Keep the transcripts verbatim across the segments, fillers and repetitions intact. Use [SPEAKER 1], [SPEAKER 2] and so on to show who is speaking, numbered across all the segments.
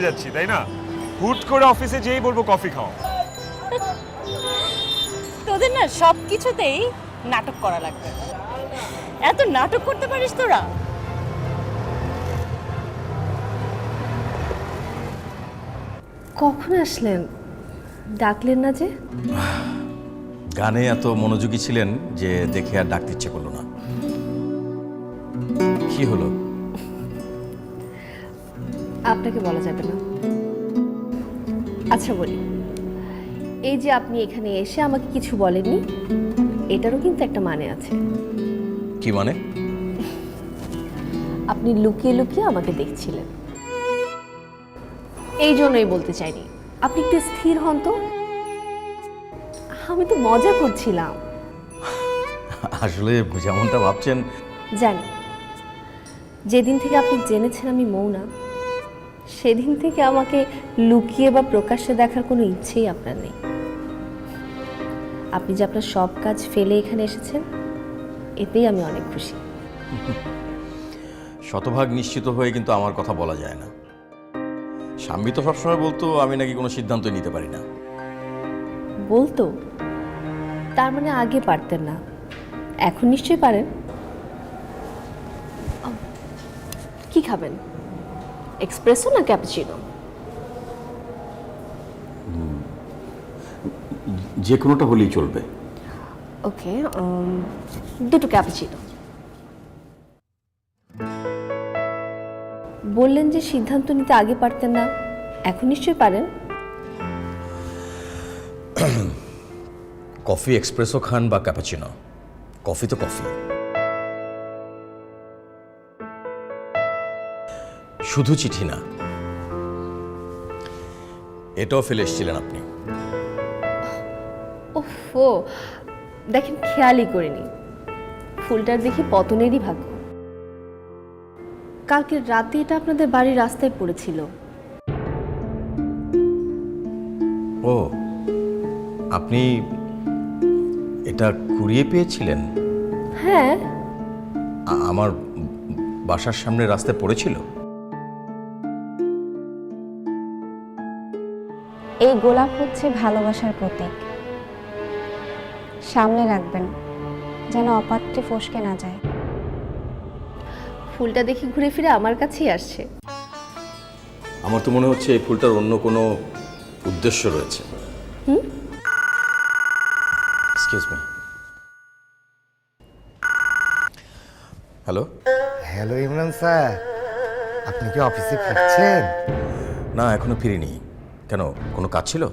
[SPEAKER 1] যাচ্ছি তাই না, হুট করে অফিসে যেই বলবো কফি খাও।
[SPEAKER 2] তোদের না সব কিছুতেই নাটক করা লাগবে। এত নাটক করতে পারিস তোরা?
[SPEAKER 3] কখন আসলেন? ডাকলেন না যে?
[SPEAKER 4] গানে এত মনোযোগী ছিলেন যে দেখে আর ডাকতে ইচ্ছে করলো না। কি হলো?
[SPEAKER 3] আপনাকে বলা যাবে না। আচ্ছা বলি, এই যে আপনি এখানে এসে আমাকে কিছু বলেননি, এটারও কিন্তু একটা মানে আছে।
[SPEAKER 4] কি মানে?
[SPEAKER 3] আপনি লুকিয়ে লুকিয়ে আমাকে দেখছিলেন, এই জন্যই বলতে চাইনি। আপনি একটু স্থির হন তো। আমি তো মজা করছিলাম।
[SPEAKER 4] আসলে যেমনটা ভাবছেন।
[SPEAKER 3] জানি, যেদিন থেকে আপনি জেনেছেন আমি মৌনা, সেদিন থেকে আমাকে লুকিয়ে বা প্রকাশ্যে দেখার কোনো ইচ্ছেই আপনার নেই। আপনি যে আপনার সব কাজ ফেলে এখানে এসেছেন, এতেই আমি অনেক খুশি।
[SPEAKER 4] শতভাগ নিশ্চিত হয়ে কিন্তু আমার কথা বলা যায় না। স্বামী তো সবসময় বলতো আমি নাকি কোনো সিদ্ধান্ত নিতে পারি না।
[SPEAKER 3] বলতো? তার মানে আগে পারতেন না, এখন নিশ্চয়ই পারেন। কি খাবেন, এক্সপ্রেসো না ক্যাপুচিনো?
[SPEAKER 4] যে কোনোটা হলেই চলবে।
[SPEAKER 3] ওকে, দুটো ক্যাপুচিনো। বললেন যে সিদ্ধান্ত নিতে আগে পারতেন না, এখন নিশ্চয়ই পারেন।
[SPEAKER 4] কফি এক্সপ্রেসো খান বা ক্যাপাচিনো, কফি তো কফি। শুধু চিঠি না, এটাও ফেলে এসেছিলেন আপনি।
[SPEAKER 3] ওফো, দেখেন খেয়ালই করিনি। ফুলটার দেখি পতনেরই ভাগ্য। কালকে রাতে এটা আপনাদের বাড়ির রাস্তায় পড়েছিল।
[SPEAKER 4] ও, আপনি এটা কুড়িয়ে পেয়েছিলেন?
[SPEAKER 3] হ্যাঁ।
[SPEAKER 4] আ- আমার বাসার সামনে রাস্তায় পড়েছিল।
[SPEAKER 5] এই গোলাপ হচ্ছে ভালোবাসার প্রতীক। সামনে রাখবেন যেন অপাত্রে ফসকে না যায়।
[SPEAKER 3] ফুলটা দেখি ঘুরে ফিরে আমার কাছেই আসছে।
[SPEAKER 4] আমার তো মনে হচ্ছে এই ফুলটার অন্য কোনো উদ্দেশ্য রয়েছে।
[SPEAKER 3] হুম?
[SPEAKER 4] Excuse me. Hello.
[SPEAKER 6] Hello Imran sir, আপনি কি অফিসে ফিরছেন?
[SPEAKER 4] না, এখনো ফিরিনি। কেন, কোনো কাজ ছিল?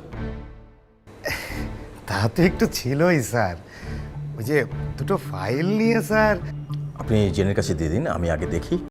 [SPEAKER 6] তা তো একটু ছিলই স্যার, ওই যে দুটো ফাইল নিয়ে স্যার।
[SPEAKER 4] আপনি জেনের কাছে দিয়ে দিন, আমি আগে দেখি।